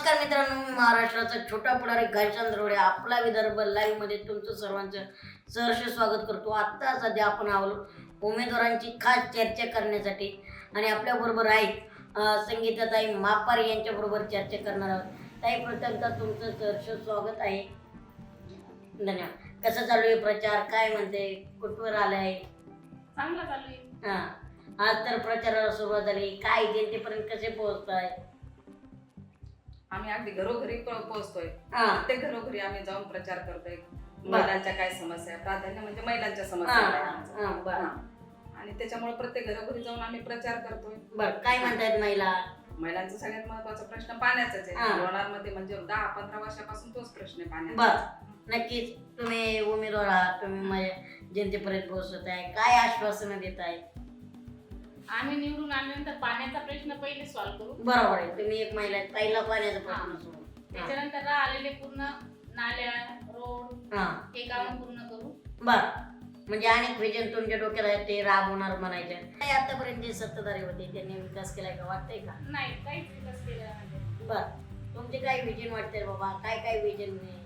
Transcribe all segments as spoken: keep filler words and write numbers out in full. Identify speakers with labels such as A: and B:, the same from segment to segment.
A: नमस्कार मित्रांनो, मी महाराष्ट्राचा छोटा पुढारी घनश्याम दरोडे आपला विदर्भ लाईव्ह मध्ये तुमचं सर्वांचं सहर्ष स्वागत करतो। आता सध्या आपण आलो उमेदवारांची खास चर्चा करण्यासाठी आणि आपल्या बरोबर आहेत संगीताताई मापार यांच्या बरोबर चर्चा करणार आहोत। ताई, प्रथमतः तुमचं सहर्ष स्वागत आहे। धन्यवाद। कसं चालू आहे प्रचार, काय म्हणते, कुठवर आलाय?
B: चांगला चालू आहे।
A: हां, आज तर प्रचाराला सुरुवात झाली, काय जनतेपर्यंत कसे पोहोचताय?
B: आम्ही अगदी घरोघरी पोहोचतोय।
A: हां,
B: प्रत्येक घरोघरी आम्ही जाऊन प्रचार करतोय। महिलांच्या काय समस्या आहे, प्राधान्य म्हणजे महिलांच्या समस्या आहे आमच्या।
A: हां, बरं.
B: आणि त्याच्यामुळे प्रत्येक घरोघरी जाऊन आम्ही प्रचार करतोय।
A: बरं, काय म्हणतायत महिला?
B: महिलांचा सगळ्यात महत्त्वाचा प्रश्न पाण्याचाच
A: हां.
B: आहे। लोणार मध्ये म्हणजे दहा पंधरा वर्षापासून तोच प्रश्न आहे पाण्याचा।
A: बर, नक्कीच तुम्ही उमेदवार आहात, तुम्ही माझ्या जनतेपर्यंत पोहोचत आहे, काय आश्वासनं देत आहे?
C: आम्ही निवडून आल्यानंतर पाण्याचा प्रश्न पहिले सॉल्व्ह करू।
A: बरोबर आहे, तुम्ही एक महिला आहे, पहिला पाण्याचा प्रश्न सोडू।
C: त्याच्यानंतर राहिलेले पूर्ण नाल्या, रोड
A: हां,
C: हे काम पूर्ण करू।
A: बर, म्हणजे अनेक विजन तुमच्या डोक्यात आहे ते राबवणार म्हणायचे। काय आतापर्यंत जे सत्ताधारी होते त्यांनी विकास केलाय का, वाटतंय का?
C: नाही, काहीच विकास केलेला नाही।
A: बर, तुमचे काय विजन वाटते बाबा, काय काय विजन नाही?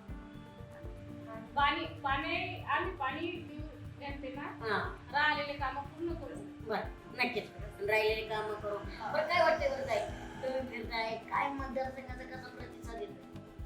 C: पाणी पाणी आम्ही पाणी देऊ जनतेला,
A: हां,
C: राहिलेले काम पूर्ण करू।
A: बर, नक्कीच राहिलेले काम करू। बरं, काय वाटतंय बरं ताई, तुम्ही फिरताय, काय मतदारसंघाचा कसा प्रतिसाद येतो?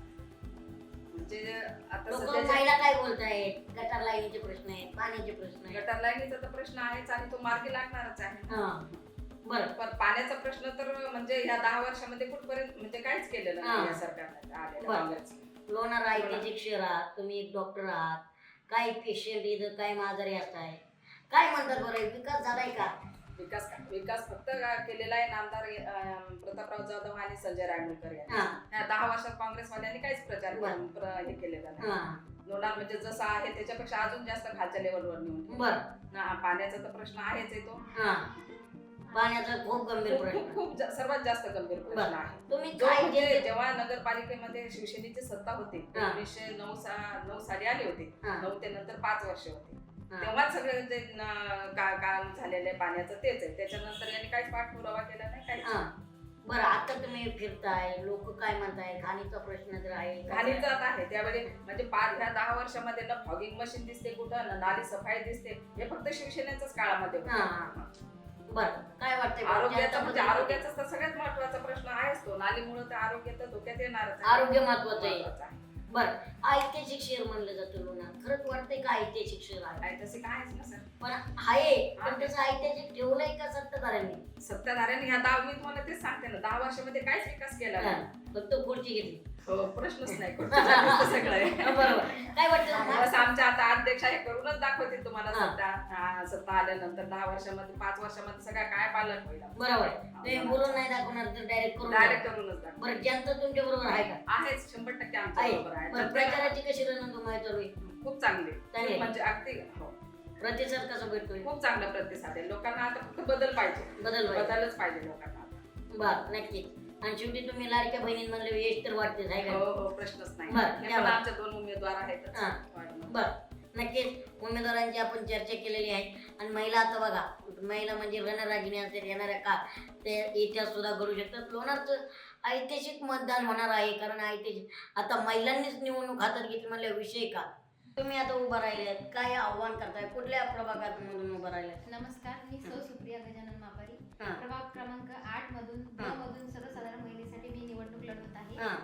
B: म्हणजे आता
A: लोक
B: सध्या
A: महिला काय बोलतायत, गटार लाईनीचे प्रश्न आहेत, पाण्याचे प्रश्न आहेत।
B: गटार लाईनीचा तर प्रश्न आहेच आणि तो मार्गी लागणारच आहे।
A: हां, बरं,
B: पण पाण्याचा प्रश्न तर म्हणजे ह्या दहा वर्षामध्ये कुठपर्यंत म्हणजे काहीच केलेलं नाही
A: हां.
B: या सरकारने आलेलं
A: बरं.
B: काँग्रेसने.
A: लोणार ऐतिहासिक शहर आहात, तुम्ही एक डॉक्टर आहात, काय पेशंट इथं काय आजारी असताय, काय म्हणतात बरं, विकास झालाय का?
B: विकास विकास फक्त केलेला आहे नामदार अं, प्रतापराव जाधव आणि संजय रायमुलकर यांनी।
A: हां,
B: ह्या दहा वर्षात काँग्रेसवाल्यांनी काहीच प्रचार
A: बरं.
B: प्र- हे केलेला नाही।
A: हां,
B: लोणार म्हणजे जसं आहे त्याच्यापेक्षा अजून जास्त खालच्या लेवलवर नेऊन ठेवलं.
A: बरं,
B: ना, पाण्याचा तर प्रश्न आहेच आहे तो
A: हां, पाण्याचा खूप गंभीर
B: खूप खूप
A: प्रश्न।
B: खूप जा- सर्वात जास्त गंभीर प्रश्न
A: बरं.
B: आहे।
A: तुम्ही
B: जो
A: काय
B: म्हणजे
A: जे-
B: जेव्हा नगरपालिकेमध्ये शिवसेनेची सत्ता होती
A: हां.
B: एकोणीसशे नऊ सा नऊ साली आली होती,
A: हां,
B: नऊ ते नंतर पाच वर्ष होती,
A: हां,
B: तेव्हा सगळे जे न- का- काम झालेलं आहे पाण्याचं तेच आहे। त्याच्यानंतर यांनी काहीच पाठपुरावा केला नाही, काहीच
A: हां. बरं, आता तुम्ही फिरताय, लोक काय म्हणताय, घाणीचा प्रश्न तर आहे,
B: घाणीचं आता आहे त्यावेळी म्हणजे पाच ह्या दहा वर्षामध्ये ना फॉगिंग मशीन दिसते कुठं ना नाली सफाई दिसते, हे फक्त शिवसेनेच्याच काळामध्ये होतं।
A: हां. बरं, काय वाटतंय बरं,
B: आरोग्याचा म्हणजे
A: जनता-
B: आरोग्याचा तर सगळ्यात महत्वाचा प्रश्न आहेच तो, नालीमुळे तर आरोग्य तर धोक्यात येणारच आहे.
A: आरोग्य महत्वाचं आहे।
B: महत्वाचं आहे.
A: बरं, ऐतिहासिक शहर म्हणलं जातं लोणार, खरंच वाटतंय का ऐतिहासिक शहर आहे?
B: आहे तसे काय ना सर,
A: पण आहे, पण त्याचं ऐतिहासिक ठेवलंय का सत्ताधाऱ्यांनी?
B: सत्ताधाऱ्यांनी ह्या दहा मी तुम्हाला तेच सांगते ना, दहा वर्षामध्ये काहीच विकास केला नाही.
A: हां, फक्त खुर्ची घेतली।
B: हो, प्रश्नच नाही कुठं जाण्याचं सगळं आहे.
A: बरोबर, काय वाटतं
B: बस आमच्या आता अध्यक्ष हे करूनच दाखवतील तुम्हाला
A: हां.
B: सत्ता हा, सत्ता आल्यानंतर दहा वर्षामध्ये पाच वर्षामध्ये सगळं काय पालन होईल
A: बरोबर आहे, तुम्ही बोलून नाही दाखवणार तर डायरेक्ट करून
B: डायरेक्ट
A: दाखवा.
B: करूनच दाखव.
A: बरं, जनता तुमच्या बरोबर आहे का?
B: आहेच शंभर टक्के आमच्या
A: आहे.
B: बरोबर आहे.
A: बरं,
B: जनता
A: प्रचाराची कशी रणधुमाळी चालू आहे?
B: खूप चांगली
A: चांगली.
B: खूप म्हणजे अगदी हो,
A: प्रतिसाद कसा भेटतोय?
B: खूप चांगला प्रतिसाद आहे लोकांना। आता फक्त बदल पाहिजे,
A: बदल पाहिजे.
B: बदलच पाहिजे लोकांना आता.
A: बर, नक्कीच। आणि शेवटी तुम्ही लाडक्या बहिणींमधले यश तर वाटतेच आहे
B: हो
A: का?
B: हो, प्रश्नच नाही।
A: बरं,
B: हे
A: या
B: पण
A: बरं.
B: आमचे दोन उमेदवार आहेतच.
A: हां. बर, नक्कीच उमेदवारांची आपण चर्चा केलेली आहे। आणि महिला आता बघा, महिला म्हणजे रणरागिणी असते, येणाऱ्या का ते इतिहास सुद्धा घडू शकतात। लोणारचं ऐतिहासिक मतदान होणार आहे, कारण ऐतिहासिक आता महिलांनीच निवडणूक हातात घेतली म्हणल्या विषय का? तुम्ही आता उभा राहिले आहेत, काय आव्हान करताय, कुठल्या प्रभागातून उभा राहिले?
D: नमस्कार, मी सौ सुप्रिया गजानन मापारी,
A: हां.
D: प्रभाग क्रमांक आठ मधून ब
A: हां.
D: मधून सर्वसाधारण महिलेसाठी मी निवडणूक लढवत आहे।
A: हां,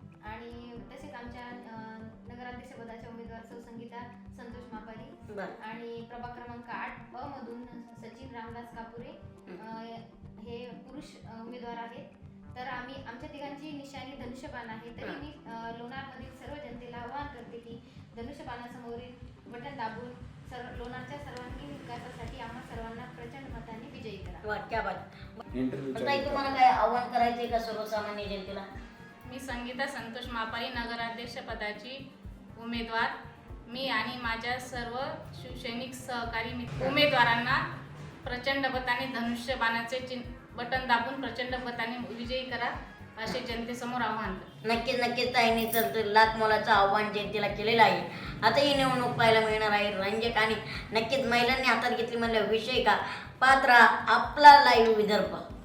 D: आणि तसेच आमच्या अं, नगराध्यक्ष पदाच्या उमेदवार सौ संगीता संतोष मापारी
A: बर,
D: आणि प्रभाग क्रमांक आठ ब मधून सचिन रामदास कापुरे अं, हे पुरुष अं, उमेदवार आहेत। तर आम्ही आमच्या तिघांची निशाणी धनुष्यबाण आहे, तरी मी अं, लोणारमधील सर्व जनतेला आवाहन करते की धनुष्यबाणासमोरील बटन दाबून सर्व लोणारच्या सर्वांगीण विकासासाठी आम्हा सर्वांना प्रचंड मतांनी विजयी करा।
A: वा, क्या बात। पण ताई, तुम्हाला काय आव्हान करायचंय का सर्वसामान्य जनतेला?
C: मी संगीता संतोष मापारी, नगराध्यक्ष पदाची उमेदवार, मी आणि माझ्या सर्व शिवसैनिक सहकारी मित्र उमेदवारांना प्रचंड मताने धनुष्यबाणाचे चिन्ह बटन दाबून प्रचंड मताने विजयी करा असे जनतेसमोर आव्हान करते।
A: नक्कीच नक्कीच ताईंनी तर लाख मोलाचं आव्हान जनतेला केलेलं आहे। आता ही निवडणूक पाहायला मिळणार आहे रंजक, आणि नक्कीच महिलांनी हातात घेतली म्हणलं विषय का? पात्रा आपला लाईव्ह विदर्भ।